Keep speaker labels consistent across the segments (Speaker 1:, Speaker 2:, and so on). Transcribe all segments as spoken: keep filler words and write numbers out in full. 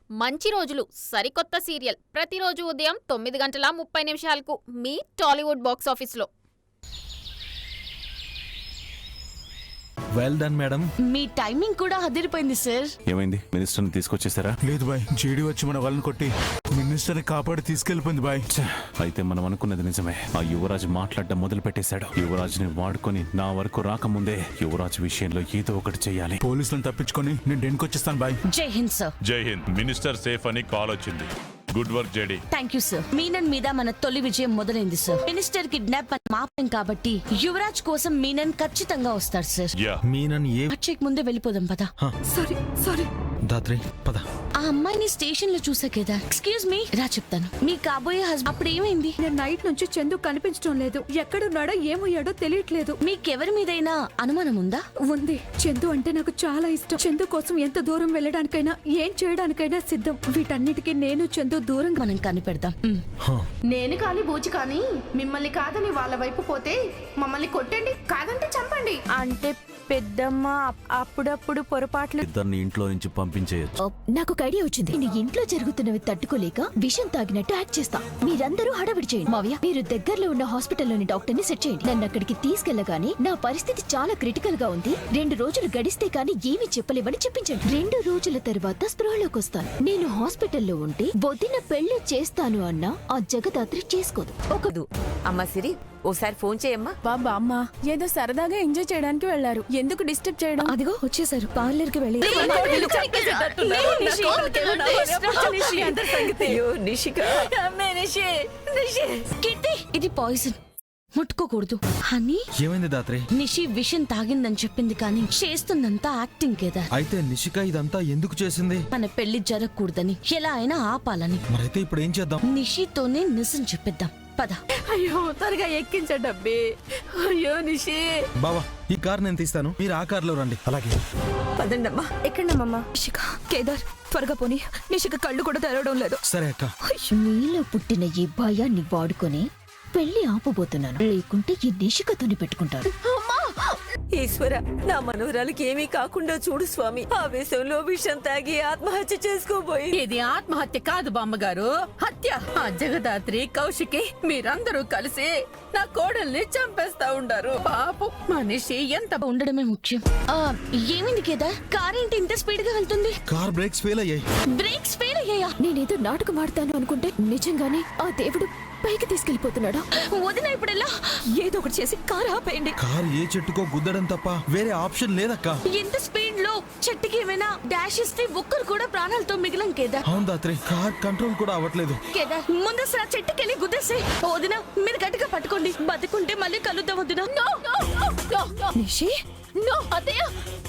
Speaker 1: మంచి రోజులు సరికొత్త సీరియల్ ప్రతిరోజు ఉదయం తొమ్మిది గంటల ముప్పై నిమిషాలకు మీ టాలీవుడ్ బాక్స్ ఆఫీస్లో.
Speaker 2: Well done madam.
Speaker 3: మీ టైమింగ్ కూడా అదిరిపోయింది సార్.
Speaker 4: ఏమైంది, మినిస్టర్ని తీసుకొచ్చేసారా?
Speaker 2: లేదు బాయ్, జేడీ వచ్చి మన వాళ్ళని కొట్టి మినిస్టర్ని కాపాడి తీసుకెళ్లిపోయింది బాయ్.
Speaker 4: అయితే మనం అనుకున్నది నిజమే. ఆ యువరాజు మాట్లాడడం మొదలు పెట్టేశాడు. యువరాజుని వాడుకొని నా వరకు రాకముందే యువరాజు విషయంలో ఏదో ఒకటి చెయ్యాలి.
Speaker 2: పోలీసులను తప్పించుకొని నేను డెన్కి వచ్చేస్తాను బాయ్.
Speaker 3: జై Hind sir.
Speaker 5: Jai Hind. Minister safe అని కాల్ వచ్చింది. Good work JD.
Speaker 3: Thank you sir. Menon మీద మన తొలి విజయం మొదలైంది సార్. మినిస్టర్ కిడ్నాప్ మాపం కాబట్టి యువరాజ్ కోసం మీనన్ ఖచ్చితంగా వస్తాడు సార్.
Speaker 2: మీనన్ ఏ
Speaker 3: అక్షయ్ ముందే వెళ్ళిపోదాం పద.
Speaker 6: సారీ సారీ
Speaker 2: దాత్రి పద.
Speaker 3: ఆ అమ్మాయిని స్టేషన్ లో చూసా కదా. ఎక్స్క్యూజ్ మీ, రా చెప్తాను. మీ కాబోయే హస్బెండ్ అప్పుడు ఏమైంది?
Speaker 6: నేను నైట్ నుంచి చందు కనిపించడం లేదు. ఎక్కడున్నాడో ఏమయ్యాడో తెలియట్లేదు.
Speaker 3: మీకెవరి మీదైనా అనుమానం ఉందా?
Speaker 6: ఉంది. చందు అంటే నాకు చాలా ఇష్టం. చందు కోసం ఎంత దూరం వెళ్ళడానికైనా ఏం చేయడానికైనా సిద్ధం. వీటన్నిటికీ నేను చందు దూరం
Speaker 3: మనం కనిపెడదాం.
Speaker 7: నేను కాని బూచి కానీ మిమ్మల్ని కాదని వాళ్ళ వైపు పోతే మమ్మల్ని కొట్టండి, కాదంటే చంపండి.
Speaker 6: అంటే పెద్దమ్మ అప్పుడప్పుడు పొరపాట్లు.
Speaker 2: ఇద్దరిని ఇంట్లో నుంచి పంపించేయచ్చు.
Speaker 8: నాకు ఒక ఐడియా వచ్చింది. నేను ఇంట్లో జరుగుతున్నవి తట్టుకోలేక విషం తాగినట్టు యాక్ట్ చేస్తా. మీరందరూ హడావిడి చేయండి. మావయ్య, మీరు దగ్గరలో ఉన్న హాస్పిటల్లోని డాక్టర్ ని సెట్ చేయండి. నన్ను అక్కడికి తీసుకెళ్లగానే నా పరిస్థితి చాలా క్రిటికల్ గా ఉంది, రెండు రోజులు గడిస్తే కానీ ఏమీ చెప్పలేవని చెప్పించండి. రెండు రోజుల తర్వాత స్పృహలోకి వస్తాను. నేను హాస్పిటల్లో ఉంటే వదిన పెళ్లి చేస్తాను అన్నా ఆ జగదాత్రి చేసుకోదు.
Speaker 9: ఒకదు అమ్మా సిరి, ఓసారి ఫోన్ చేయమ్మా.
Speaker 6: బాబా అమ్మ ఏదో సరదాగా ఎంజాయ్ చేయడానికి వెళ్లారు, ఎందుకు డిస్టర్బ్ చేయడం?
Speaker 8: అదిగో వచ్చేసారు, పార్లర్ కి వెళ్ళి.
Speaker 3: ఇది పాయిజన్, ముట్టుకోకూడదు. హనీ,
Speaker 2: ఏమైంది దాత్రి?
Speaker 3: నిషి విషం తాగిందని చెప్పింది కానీ చేస్తుందంతా యాక్టింగ్ కదా.
Speaker 2: అయితే నిషిక ఇదంతా ఎందుకు చేసింది?
Speaker 3: మన పెళ్లి జరగకూడదని, ఎలా అయినా ఆపాలని.
Speaker 2: మరైతే ఇప్పుడు ఏం చేద్దాం?
Speaker 3: నిషితోనే నిజం చెప్పిద్దాం పద.
Speaker 6: అయ్యో త్వరగా ఎక్కించండి అబ్బే. అయ్యో నిషి.
Speaker 2: బావా, ఈ కార్ నేను తీస్తాను, మీరు ఆ కార్లో రండి. అలాగే
Speaker 9: పదండమ్మా.
Speaker 6: ఎక్కడమ్మా?
Speaker 8: నిషిక, కేదార్ త్వరగా పోనీ. నిషిక కళ్ళు కూడా తెరవడం లేదు.
Speaker 2: సరే అక్క.
Speaker 8: నీలో పుట్టిన ఈ భయాన్ని వాడుకొని పెళ్లి ఆపబోతున్నాను, లేకుంటే ఈ నిషికతోని పెట్టుకుంటాను.
Speaker 9: ఈశ్వర, నా మనవరాలకి ఏమీ కాకుండా చూడు స్వామి. ఆవేశంలో విషం తాగి ఆత్మహత్య చేసుకోబోయి.
Speaker 7: ఇది ఆత్మహత్య కాదు బామ్మగారు, హత్య. ఆ జగదాత్రి, కౌశికి మీరందరూ కలిసి నా కోడల్ని చంపేస్తా ఉండారు. పాపం మనిషి ఎంత
Speaker 3: ఉండడమే ముఖ్యం. ఆ, ఏమైంది కేదార్? కార్ ఏంటి ఇంత స్పీడ్ గా వెళ్తుంది?
Speaker 2: కార్ బ్రేక్స్ ఫెయిల్ అయ్యాయి.
Speaker 3: బ్రేక్స్ ఫెయిల్ అయ్యాయా?
Speaker 8: నేనేదో నాటకం ఆడతాను అనుకుంటే నిజంగానే ఆ దేవుడు పైకి తీసుకెళ్లిపోతున్నాడా?
Speaker 3: వదిన ఇప్పుడెలా?
Speaker 8: ఏదో ఒకటి చేసి కార్ ఆపేయండి.
Speaker 2: కార్ ఏ చెట్టుకో గుద్దడం తప్ప వేరే ఆప్షన్ లేదక్క.
Speaker 3: ఎంత స్పీడ్ లో చెట్టుకి ఏమైనా డాష్ ఇస్తే ఒక్కరు కూడా ప్రాణాలతో మిగిలం కేదార్.
Speaker 2: అవును దాత్రి, కార్ కంట్రోల్ కూడా అవ్వట్లేదు.
Speaker 3: కేదార్, ముందు అసలు ఆ చెట్టుకెళ్ళి గుద్దేసే. వదిన మీరు గట్టిగా పట్టుకోండి, బతుకుంటే మళ్ళీ కలుద్దాం. వదిన.
Speaker 8: నిషి,
Speaker 1: నో అత్తయ్య,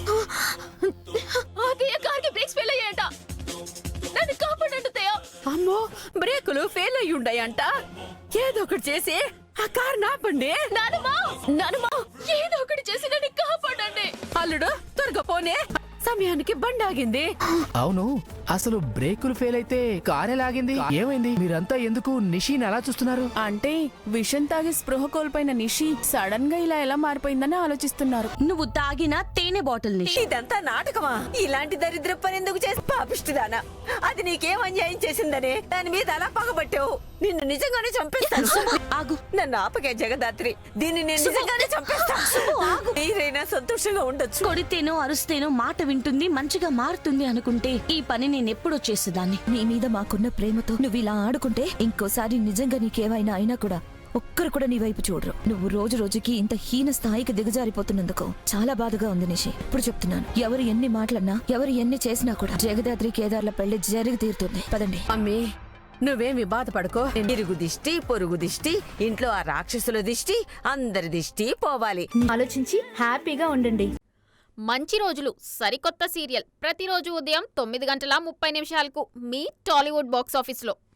Speaker 1: అత్తయ్య కార్కి బ్రేక్స్ ఫెయిల్ అయ్యాయంట, నన్ను కాపాడండి అత్తయ్య.
Speaker 7: అమ్మో, బ్రేకులు ఫెయిల్ అయ్యి ఉండాయంట. ఏదో ఒకటి చేసి ఆ కార్ నాపండి.
Speaker 1: నానమ్మా, నానమ్మా, ఏదో ఒకటి చేసి నన్ను కాపాడండి.
Speaker 7: అల్లుడు త్వరగా పోనే, సమయానికి బండి ఆగింది.
Speaker 10: అవును, అసలు బ్రేకులు ఫెయిల్ అయితే కారే లాగింది. ఏమైంది? మీరంతా ఎందుకు నిషిని అలా చూస్తున్నారు?
Speaker 6: అంటే విషం తాగి స్పృహ కోల్పోయిన నిషి సడన్ గా ఇలా ఎలా మారిపోయిందని ఆలోచిస్తున్నారు.
Speaker 3: నువ్వు తాగిన తేనె బాటిల్ ని.
Speaker 9: ఇదంతా నాటకమా? ఇలాంటి దరిద్ర పని ఎందుకు చేసి పాపిష్టిదానా? అది నీకేం అన్యాయం చేసిందనే దాని మీద అలా పగబట్టావు. నిన్ను నిజంగానే చంపేస్తాను.
Speaker 3: ఆగు.
Speaker 9: నన్ను ఆపకే జగదాత్రి, దీన్ని నేను నిజంగానే చంపేస్తాను. మీరైనా సంతోషంగా ఉండొచ్చు.
Speaker 3: కొడితేనో అరుస్తేనో మాట వింటుంది, మంచిగా మారుతుంది అనుకుంటే ఈ పని నేను ఎప్పుడో చేసేదాన్ని.
Speaker 8: నీ మీద మాకున్న ప్రేమతో నువ్వు ఇలా ఆడుకుంటే ఇంకోసారి నిజంగా నీకేమైనా అయినా కూడా ఒక్కరు కూడా నీ వైపు చూడరు. నువ్వు రోజు రోజుకి ఇంత హీన స్థాయికి దిగజారిపోతున్నందుకు చాలా బాధగా ఉంది నిషి. ఇప్పుడు చెప్తున్నాను, ఎవరు ఎన్ని మాటలన్నా, ఎవరు ఎన్ని చేసినా కూడా జగదాత్రి కేదార్ల పెళ్లి జరిగి తీరుతుంది. పదండి.
Speaker 7: అమ్మీ, నువ్వేమి బాధపడుకో.
Speaker 9: ఇరుగు దిష్టి, పొరుగు దిష్టి, ఇంట్లో ఆ రాక్షసుల దిష్టి, అందరి దిష్టి పోవాలి.
Speaker 6: ఆలోచించి హ్యాపీగా ఉండండి.
Speaker 1: మంచి రోజులు సరికొత్త సీరియల్ ప్రతిరోజు ఉదయం తొమ్మిది గంటల ముప్పై నిమిషాలకు మీ టాలీవుడ్ బాక్స్ ఆఫీస్లో.